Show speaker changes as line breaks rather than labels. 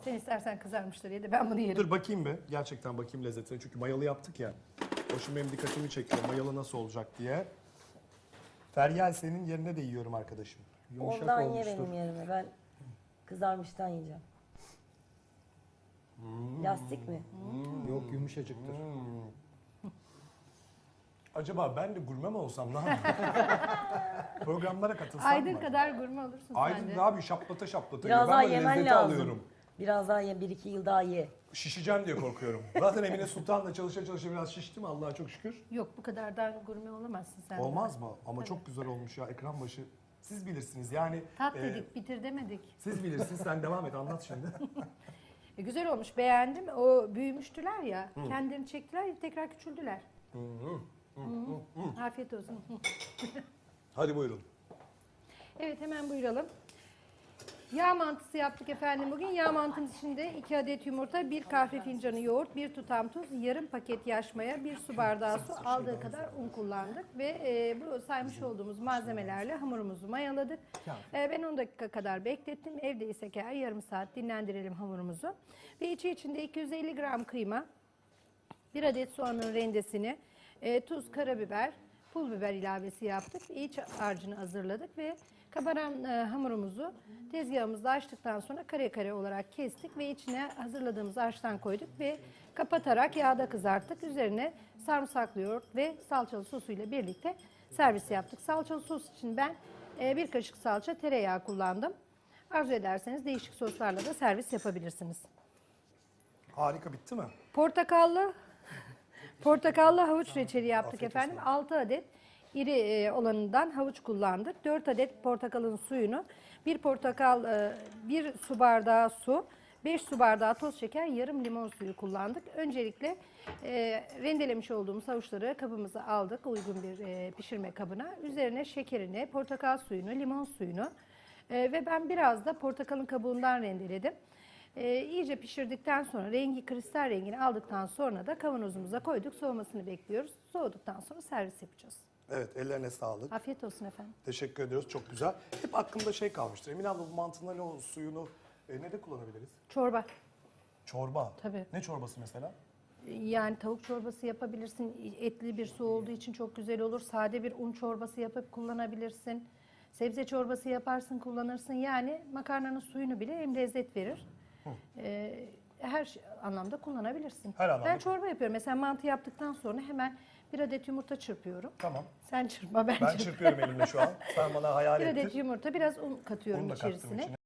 Sen istersen kızarmışları ye de ben bunu yerim.
Dur bakayım bir. Gerçekten bakayım lezzetine. Çünkü mayalı yaptık ya. O şimdi benim dikkatimi çekiyor. Mayalı nasıl olacak diye. Feryal senin yerine de yiyorum arkadaşım. Yumuşak
Ondan ye
olmuştur.
benim yerime. Ben kızarmıştan yiyeceğim. Lastik mi?
Yok yumuşacıktır.
Acaba ben de gurme mi olsam ne yapayım? Programlara katılsam
Aydın
mı?
kadar gurme olursun
Aydın
sen
ne
de.
yapıyor? Şaplata şaplata
Biraz
yiyor.
daha
Ben böyle
yemen
lezzeti
lazım.
alıyorum.
Biraz daha ye, 1-2 yıl daha ye.
Şişeceğim diye korkuyorum. Zaten Emine Sultan'la çalışa çalışa biraz şiştim Allah'a çok şükür.
Yok bu kadardan gurme olamazsın sen. de.
Olmaz mı? Ama
Tabii.
çok güzel olmuş ya ekran başı. Siz bilirsiniz yani.
Tat
e,
dedik, bitir demedik.
Siz bilirsiniz sen devam et anlat şimdi.
Güzel olmuş, beğendim. O büyümüştüler ya, kendilerini çektiler, tekrar küçüldüler. Afiyet olsun.
Hadi buyurun.
Evet, hemen buyuralım. Yağ mantısı yaptık efendim bugün. Yağ mantımız içinde 2 adet yumurta, 1 kahve fincanı yoğurt, 1 tutam tuz, yarım paket yaş maya, 1 su bardağı su, aldığı kadar un kullandık. Ve bu saymış olduğumuz malzemelerle hamurumuzu mayaladık. Ben 10 dakika kadar beklettim. Evdeysek eğer yarım saat dinlendirelim hamurumuzu. Ve içinde 250 gram kıyma, 1 adet soğanın rendesini, tuz, karabiber, pul biber ilavesi yaptık. İç harcını hazırladık ve kabaran hamurumuzu tezgahımızda açtıktan sonra kare kare olarak kestik ve içine hazırladığımız harçtan koyduk ve kapatarak yağda kızarttık. Üzerine sarımsaklı yoğurt ve salçalı sosuyla birlikte servis yaptık. Salçalı sos için ben 1 kaşık salça, tereyağı kullandım. Arzu ederseniz değişik soslarla da servis yapabilirsiniz.
Harika bitti mi?
Portakallı havuç reçeli yaptık efendim. 6 adet iri olanından havuç kullandık. 4 adet portakalın suyunu, 1 su bardağı su, 5 su bardağı toz şeker, yarım limon suyu kullandık. Öncelikle rendelemiş olduğumuz havuçları kabımıza aldık uygun bir pişirme kabına. Üzerine şekerini, portakal suyunu, limon suyunu ve ben biraz da portakalın kabuğundan rendeledim. İyice pişirdikten sonra rengi kristal rengini aldıktan sonra da kavanozumuza koyduk. Soğumasını bekliyoruz. Soğuduktan sonra servis yapacağız.
Evet ellerine sağlık.
Afiyet olsun efendim.
Teşekkür ediyoruz çok güzel. Hep aklımda şey kalmıştır. Emine abla bu mantının o suyunu ne de kullanabiliriz?
Çorba.
Çorba.
Tabii.
Ne çorbası mesela?
Yani tavuk çorbası yapabilirsin. Etli bir su olduğu için çok güzel olur. Sade bir un çorbası yapıp kullanabilirsin. Sebze çorbası yaparsın, kullanırsın. Yani makarnanın suyunu bile hem lezzet verir. Her anlamda kullanabilirsin.
Her anlamda.
Ben çorba yapıyorum. Mesela mantı yaptıktan sonra hemen 1 adet yumurta çırpıyorum.
Tamam.
Sen çırpma, ben
Ben
çırpıyorum.
çırpıyorum elimle şu an. Sen bana hayal
1 adet
ettir.
yumurta, biraz un katıyorum
Onu da kattım
içerisine.
içine.